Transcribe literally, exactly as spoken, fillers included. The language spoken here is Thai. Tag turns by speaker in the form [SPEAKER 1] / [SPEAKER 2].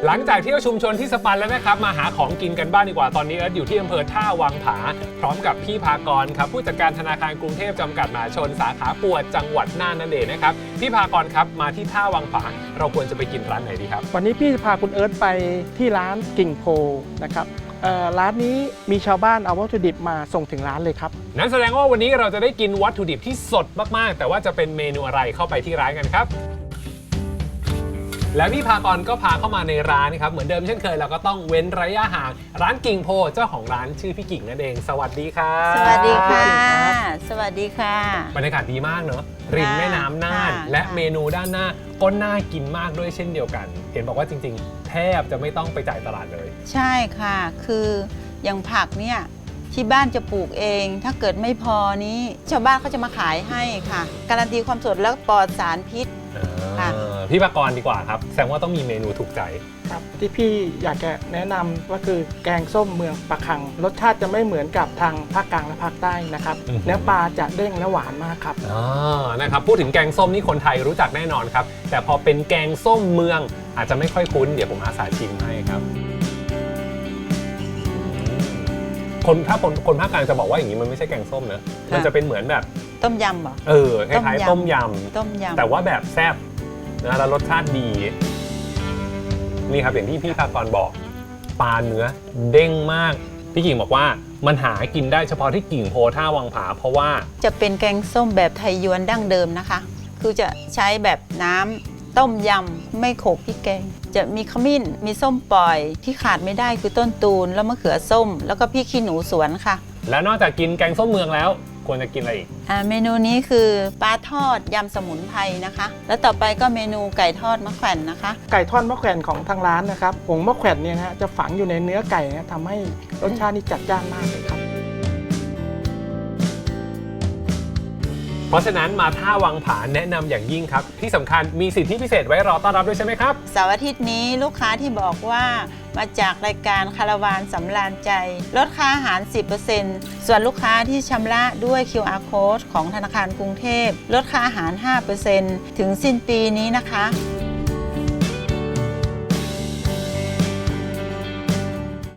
[SPEAKER 1] หลังจากเที่ยวชุมชนที่สปันแล้วนะครับมาหาของกินกันบ้างดีกว่าตอนนี้เอิร์ธอยู่ที่อำเภอท่าวังผาพร้อมกับพี่ภากรครับผู้จัดการธนาคารกรุงเทพจำกัดมหาชนสาขาปวดจังหวัดน่านนั่นเองนะครับพี่ภากรครับมาที่ท่าวังผาเราควรจะไปกินร้านไหนดีครับ
[SPEAKER 2] วันนี้พี่จะพาคุณเอิร์ธไปที่ร้านกิ่งโพนะครับร้านนี้มีชาวบ้านเอาวัตถุดิบมาส่งถึงร้านเลยครับ
[SPEAKER 1] นั้นแสดงว่าวันนี้เราจะได้กินวัตถุดิบที่สดมากๆแต่ว่าจะเป็นเมนูอะไรเข้าไปที่ร้านกันครับและพี่ภากรก็พาเข้ามาในร้านครับเหมือนเดิมเช่นเคยเราก็ต้องเว้นระยะห่างร้านกิ่งโพเจ้าของร้านชื่อพี่กิ่งนั่นเองสวัสดีครับ
[SPEAKER 3] สวัสดีค่ะสวัสดีค่ะ
[SPEAKER 1] บรรยากาศดีมากเนอะริมแม่น้ำน่านและเมนูด้านหน้าก็น่ากินมากด้วยเช่นเดียวกันเห็นบอกว่าจริงๆแทบจะไม่ต้องไปจ่ายตลาดเลย
[SPEAKER 3] ใช่ค่ะคืออย่างผักเนี่ยที่บ้านจะปลูกเองถ้าเกิดไม่พอนี้ชาวบ้านเขาจะมาขายให้ค่ะการันตีความสดและปลอดสารพิษ
[SPEAKER 1] พี่ภากรดีกว่าครับแสดงว่าต้องมีเมนูถูกใจ
[SPEAKER 2] ครับที่พี่อยากจะแนะนำก็คือแกงส้มเมืองปะคังรสชาติจะไม่เหมือนกับทางภาคกลางและภาคใต้นะครับเนื้อปลาจะเด้งและหวานมากครับ
[SPEAKER 1] อ๋อนะครับพูดถึงแกงส้มนี่คนไทยรู้จักแน่นอนครับแต่พอเป็นแกงส้มเมืองอาจจะไม่ค่อยคุ้นเดี๋ยวผมอาสาชิมให้ครับคนถ้าคนคนภาคกลางจะบอกว่าอย่างนี้มันไม่ใช่แกงส้มนะมันจะเป็นเหมือนแบบ
[SPEAKER 3] ต้มยำเหรอ
[SPEAKER 1] เออคล้ายๆต้มย
[SPEAKER 3] ำต้มยำ
[SPEAKER 1] แต่ว่าแบบแซ่บนะแล้วรสชาติดีนี่ครับอย่างที่พี่ภากรบอกปลาเนื้อเด้งมากพี่กิ่งบอกว่ามันหากินได้เฉพาะที่กิ่งโพท่าวังผาเพราะว่า
[SPEAKER 3] จะเป็นแกงส้มแบบไทยยวนดั้งเดิมนะคะคือจะใช้แบบน้ำต้มยำไม่โขลกพริกแกงจะมีขมิ้นมีส้มปล่อยที่ขาดไม่ได้คือต้นตูนแล้วมะเขือส้มแล้วก็พริกขี้หนูสวนค่ะ
[SPEAKER 1] แล้วนอกจากกินแกงส้มเมืองแล้วควรจะกินอะไรอีก
[SPEAKER 3] อ่าเมนูนี้คือปลาทอดยำสมุนไพรนะคะแล้วต่อไปก็เมนูไก่ทอดมะแขวนนะคะ
[SPEAKER 2] ไก่ทอดมะแขวนของทางร้านนะครับผงมะแขวนเนี่ยนะจะฝังอยู่ในเนื้อไก่นะทำให้รสชาตินี่จัดจ้านมากเลยครับ
[SPEAKER 1] เพราะฉะนั้นมาท่าวังผาแนะนำอย่างยิ่งครับที่สำคัญมีสิทธิพิเศษไว้รอต้อนรับด้วยใช่ไหมครับ
[SPEAKER 3] เสาร์อาทิตย์นี้ลูกค้าที่บอกว่ามาจากรายการคาราวานสำราญใจลดค่าอาหาร สิบเปอร์เซ็นต์ ส่วนลูกค้าที่ชำระด้วย คิว อาร์ Code ของธนาคารกรุงเทพลดค่าอาหาร ห้าเปอร์เซ็นต์ ถึงสิ้นปีนี้นะคะ